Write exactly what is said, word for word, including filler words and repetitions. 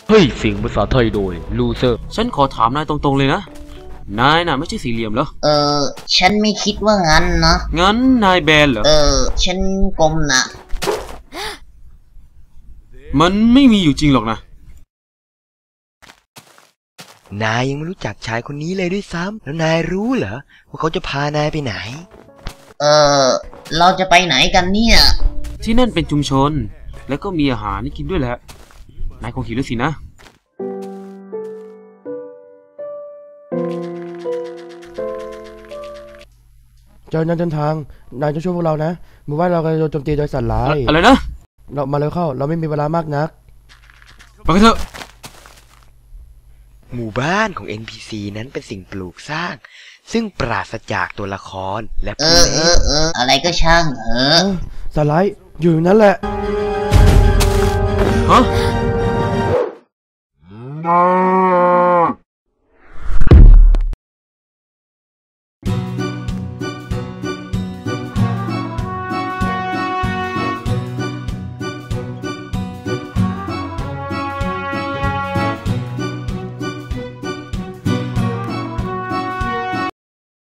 เฮ้ยเสียงภาษาไทยโดยลูเซอร์ฉันขอถามนายตรงๆเลยนะนายน่ะไม่ใช่สี่เหลี่ยมเหรอเออฉันไม่คิดว่างั้นนะงั้นนายแบนเหรอเออฉันกลมนะมันไม่มีอยู่จริงหรอกนะนายยังไม่รู้จักชายคนนี้เลยด้วยซ้ำแล้วนายรู้เหรอว่าเขาจะพานายไปไหนเออเราจะไปไหนกันเนี่ยที่นั่นเป็นชุมชนแล้วก็มีอาหารให้กินด้วยแหละนายคงหิวแล้วสินะเจ้านั้นเดินทางนายจะช่วยพวกเรานะหมู่บ้านเรากำลังโดนโจมตีโดยสัตว์ร้ายอะไรนะเรามาเร็วเข้าเราไม่มีเวลามากนักไปกันเถอะหมู่บ้านของ เอ็น พี ซี นั้นเป็นสิ่งปลูกสร้างซึ่งปราศจากตัวละครและผู้เล่นเออเออเอออะไรก็ช่างเออสัตว์ร้ายอยู่นั่นแหละฮะ